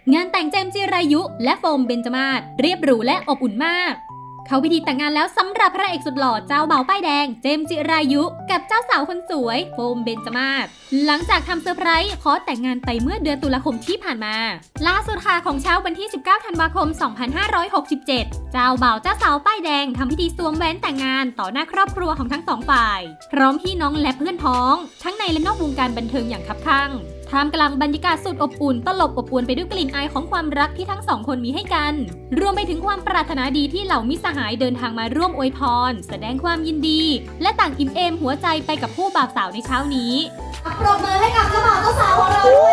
งานแต่งเจมส์จิรายุและโฟมเบญจมาศเรียบหรูและอบอุ่นมากเขาพิธีแต่งงานแล้วสำหรับพระเอกสุดหล่อเจ้าบ่าวป้ายแดงเจมส์จิรายุกับเจ้าสาวคนสวยโฟมเบญจมาศหลังจากทำเซอร์ไพรส์ขอแต่งงานไปเมื่อเดือนตุลาคมที่ผ่านมาล่าสุดค่ะของเช้าวันที่ 19 ธันวาคม 2567 เจ้าบ่าวเจ้าสาวป้ายแดงทำพิธีสวมแหวนแต่งงานต่อหน้าครอบครัวของทั้งสองฝ่ายพร้อมพี่น้องและเพื่อนพ้องทั้งในและนอกวงการบันเทิงอย่างคับคั่งท่ามกลางบรรยากาศสุดอบอุ่นตลบอบอวลไปด้วยกลิ่นอายของความรักที่ทั้งสองคนมีให้กันรวมไปถึงความปรารถนาดีที่เหล่ามิตรสหายเดินทางมาร่วมอวยพรแสดงความยินดีและต่างอิ่มเอมหัวใจไปกับคู่บ่าวสาวในเช้านี้ปรบมือให้กับเจ้าบ่าวเจ้าสาวของเราด้วย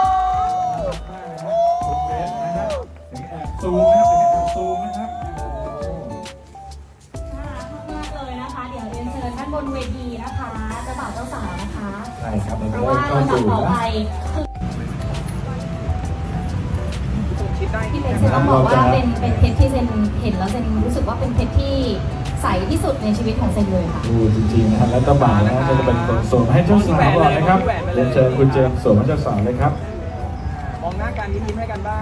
นะคะซูมนะครับซูมนะครับน่ารักมากเลยนะคะ เดี๋ยวเรียนเชิญท่านบนเวทีนะคะเจ้าบ่าวเจ้าสาวนะคะใช่ครับเพราะว่าลำดับต่อไปพี่เล็กเซนต้องบอกว่าเป็นเพชรที่เซนเห็นแล้วเซนรู้สึกว่าเป็นเพชรที่ใสที่สุดในชีวิตของเซนเลยค่ะดูจริงๆนะครับแล้วก็บ่าวนะครับจะเป็นคนสวมให้เจ้าสาวก่อนนะครับเรียนเชิญคุณเจมส์สวมให้เจ้าสาวเลยครับมองหน้ากันยิ้มให้กันบ้าง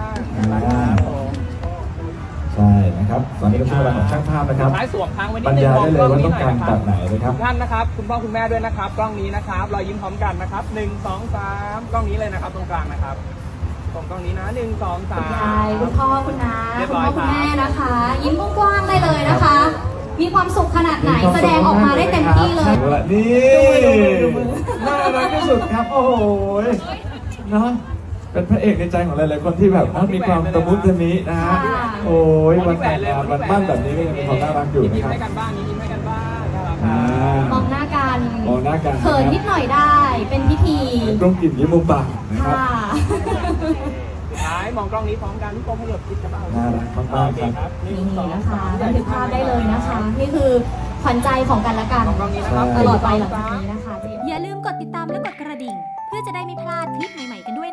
ใช่นะครับตอนนี้ก็ช่วงเวลาของช่างภาพนะครับท้ายสวมค้างไว้นิบรดรนึงยายได้เลยว่านี้ต้องการแบบไหนนะครับท่านนะครับคุณพ่อคุณแม่ด้วยนะครับกล้องนี้นะครับรอยยิ้มพร้อมกันนะครับ1 2 3กล้องนี้เลยนะครับตรงกลางนะครับตรงกล้องนี้นะ1 2 คุณยาย 3 คุณพ่อคุณน้าเรียบคุณร้อพ่ยอครับคุณแม่นะคะ ยิ้มกว้างๆได้เลยนะคะ มีความสุขขนาดไหนแสดงออกมาได้เต็มที่เลยนี่น่ารักที่สุดครับโอ้โหเนาะเป็นพระเอกในใจของหลายๆคนที่แบบมีความตะมุตะมินะฮะโอ้ยวันแต่งงานวันมั่นแบบนี้ก็ยังมีความน่ารักอยู่ยิ้มนะครับให้กันบ้างยิ้มให้กันบ้างนะครับมองหน้ากันมองหน้ากันเขินนิดหน่อยได้ เป็นพิธีกล้องกินยิ้มมุมปากนะครับค่ะท้ายมองกล้องนี้พร้อมกันทุกคนขยับคิดกระเป๋าน่ารักมากๆครับนี่นะคะบันทึกภาพได้เลยนะคะ นี่คือขวัญใจของกันและกันมองกล้องนี้นะครับตลอดไปหลังจากนี้นะคะเจมส์อย่าลืมกดติดตามและกดกระดิ่งเพื่อจะได้ไม่พลาดคลิปใหม่ๆกันด้วย